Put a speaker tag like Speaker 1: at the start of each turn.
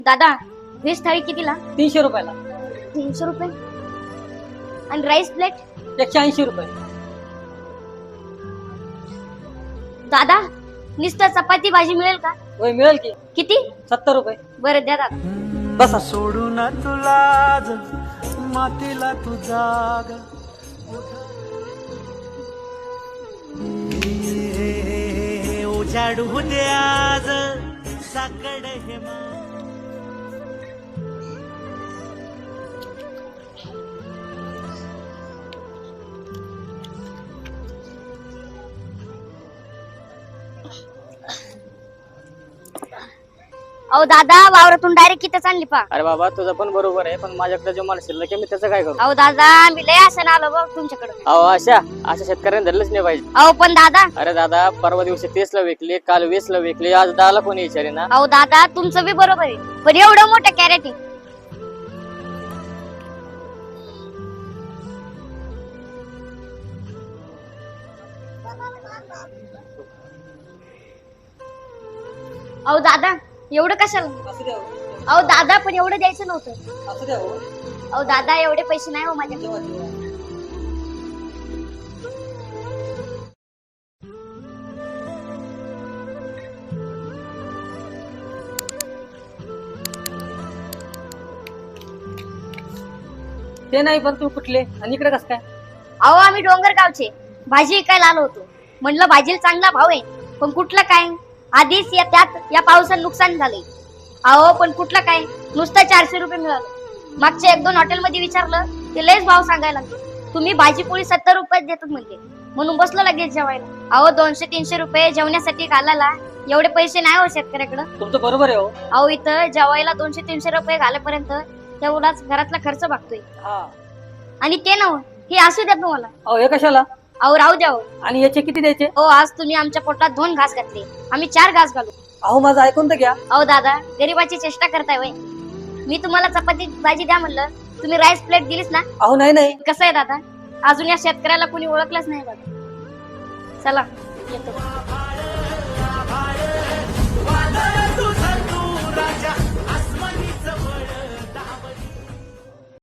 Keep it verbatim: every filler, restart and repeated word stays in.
Speaker 1: दादा व्हेज थाळी कितीला?
Speaker 2: तीनशे रुपयाला.
Speaker 1: तीनशे रुपये. आणि राईस प्लेट
Speaker 2: एकशे ऐंशी रुपये.
Speaker 1: दादा नुसतं चपाती भाजी मिळेल का?
Speaker 2: होय मिळेल की.
Speaker 1: किती?
Speaker 2: सत्तर रुपये.
Speaker 1: बरं द्या दादा.
Speaker 2: बसा.
Speaker 3: सोडून तुला मातीला तू जाग उजाडू दे आज साकड हे
Speaker 1: अहो दादा वावरातून डायरेक्ट किती आणली पा.
Speaker 4: अरे बाबा तुझं पण बरोबर आहे, पण माझ्याकडे जो माल शिल्लक आहे मी त्याचं काय करू?
Speaker 1: अहो दादा मी लय असं आलो बघ तुमच्याकडे.
Speaker 4: अहो अशा अशा शेतकऱ्यांनी धरलंच नाही पाहिजे.
Speaker 1: अहो पण दादा.
Speaker 4: अरे दादा परवा दिवशी तीस ला विकली, काल वीस ला विकली, आज दहाला कोणी विचारे ना.
Speaker 1: अहो दादा तुमचं बी बरोबर आहे, पण एवढं मोठं कॅरेट आहे. अहो दादा एवढं कशाला?
Speaker 2: असू द्या हो.
Speaker 1: अहो दादा पण एवढं द्यायचं नव्हतं.
Speaker 2: असू द्या हो.
Speaker 1: अहो दादा एवढे पैसे नाही हो माझ्याकडे.
Speaker 2: जेवा, जेवा. ते नाही पण तू कुठले आणि इकडे कस काय?
Speaker 1: अहो आम्ही डोंगर गावचे भाजी विकायला आलो होतो. म्हणलं भाजीला चांगला भाव आहे, पण कुठलं काय आधीच या त्यात या पावसात नुकसान झाले. अहो पण कुठलं काय नुसतं चारशे रुपये मिळालं. मागच्या एक दोन हॉटेलमध्ये विचारलं ते लयच भाव सांगायला लागले. तुम्ही भाजी पोळी सत्तर रुपयात देतात म्हणते, म्हणून बसलो लगेच जेवायला. अहो दोनशे तीनशे रुपये जेवण्यासाठी घालायला एवढे पैसे नाही हो शेतकऱ्याकडं.
Speaker 2: तुमचं बरोबर आहे हो.
Speaker 1: अहो इथं जेवायला दोनशे तीनशे रुपये घालेपर्यंत तेवढाच घरातला खर्च भागतोय.
Speaker 2: हा.
Speaker 1: आणि ते नव हे असू द्या तुम्हाला.
Speaker 2: अहो हे कशाला?
Speaker 1: अहो राहू द्या हो.
Speaker 2: आणि याचे किती द्यायचे?
Speaker 1: हो आज तुम्ही आमच्या पोटात दोन घास घातले, आम्ही चार घास घालू.
Speaker 2: अहो माझं ऐकून तर घ्या.
Speaker 1: अहो दादा गरीबाची चेष्टा करताय वय. मी तुम्हाला चपाती भाजी द्या म्हणलं, तुम्ही राईस प्लेट दिलीस ना.
Speaker 2: अहो नाही नाही.
Speaker 1: कसं आहे दादा, अजून या शेतकऱ्याला कोणी ओळखलंच नाही बघा. चला येतो.